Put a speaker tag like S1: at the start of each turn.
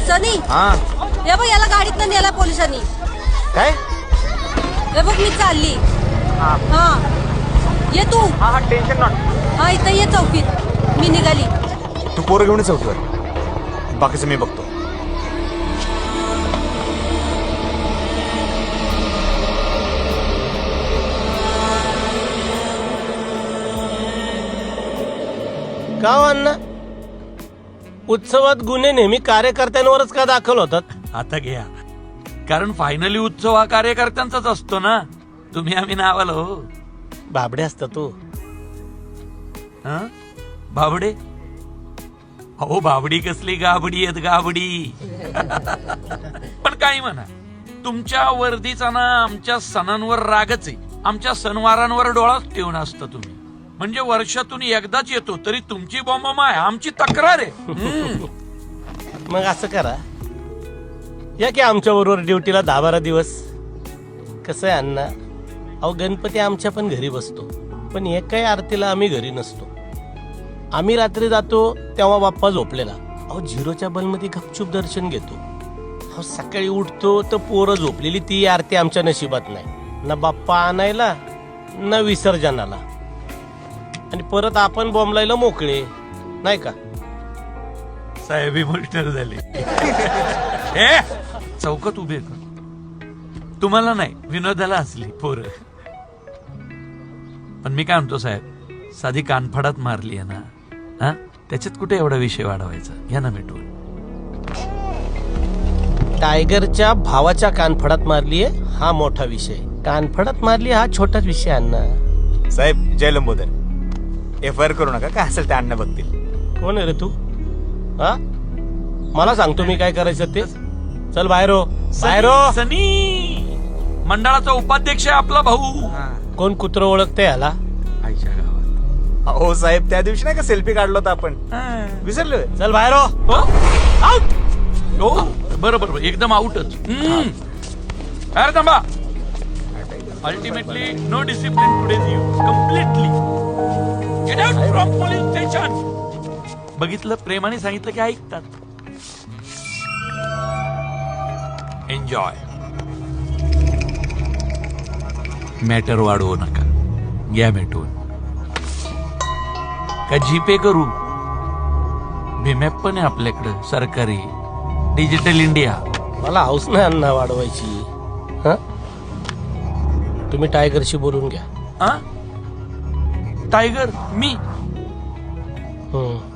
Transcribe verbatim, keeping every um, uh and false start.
S1: सनी
S2: हा
S1: हे बघ याला गाडीतनं नेला पोलिसांनी.
S2: काय
S1: हे बघ मी चालली.
S2: हा
S1: हा ये तू.
S2: हा टेन्शन नॉट.
S1: हा इथं ये चौकीत मी निघाली.
S2: तू पोरं घेऊन चौकीवर, बाकीचं मी बघतो.
S3: का हो अण्णा, उत्सवात गुन्हे नेहमी कार्यकर्त्यांवरच का दाखल होतात?
S4: आता घ्या, कारण फायनली उत्सव हा कार्यकर्त्यांचाच असतो ना. तुम्ही आम्ही नावाला हो.
S3: बाबडे असता तू.
S4: हं? बाबडे? हो बाबडी कसली गाबडी आहेत गाबडी. पण काही म्हणा, तुमच्या वर्दीचा ना आमच्या सणांवर रागच आहे. आमच्या सणवारांवर डोळाच ठेवून असतं तुम्ही. म्हणजे वर्षातून एकदाच येतो तरी तुमची बॉम्ब आहे, आमची तक्रार आहे. हम्म.
S3: मग असं करा, या की आमच्या बरोबर ड्युटीला दहा बारा दिवस. कसं आहे अण्णा, अहो गणपती आमच्या पण घरी बसतो, पण एकाही आरतीला आम्ही घरी नसतो. आम्ही रात्री जातो तेव्हा बाप्पा झोपलेला. अहो झिरोच्या बलमध्ये गपचूप दर्शन घेतो. अहो सकाळी उठतो तर पोरं झोपलेली, ती आरती आमच्या नशिबात नाही. ना बाप्पा आणायला ना विसर्जनाला, आणि परत आपण बॉम्बलायला मोकळे नाही का?
S4: साहेब इमोशनल झाले. ए, चौकात उभे कर. तुम्हाला नाही, विनोदाला असली पोरं. पण मी काय म्हणतो साहेब, साधी कानफडात मारली आहे ना, हा त्याच्यात कुठे एवढा विषय वाढवायचा? घ्या ना मिटवून.
S3: टायगरच्या भावाच्या कानफडात मारलीये हा मोठा विषय, कानफडात मारली हा छोटाच विषय. Anna
S2: Saheb Jay Lambodar, F I R करू नका, काय असेल ते अण्णा बघतील.
S3: कोण आहे रे तू? हा मला सांगतो मी काय करायचं ते. चल बाहेर हो, बाहेर हो.
S4: सनी मंडळाचा उपाध्यक्ष आहे आपला भाऊ.
S3: कोण कुत्र ओळखते ह्याला?
S4: आईच्या गावात.
S2: हो साहेब, त्या दिवशी नाही का सेल्फी काढलो होता आपण, विसरलोय.
S3: चल बाहेर हो.
S4: हो? आउट. हो बरं बरं बरं, एकदम आउटच. अरे थांबा. Ultimately no discipline today's use completely. Get out from police station. बघितलं, प्रेमाने सांगितलं की ऐकतात. एन्जॉय. मॅटर वाढवू नका, घ्या मिटवून. का जीपे करू? भीमॅप पण आहे आपल्याकडं सरकारी, डिजिटल इंडिया.
S3: मला हाऊस नाही अण्णा वाढवायची. हा तुम्ही टायगरशी बोलून घ्या.
S4: हा टायगर मी
S3: हम्म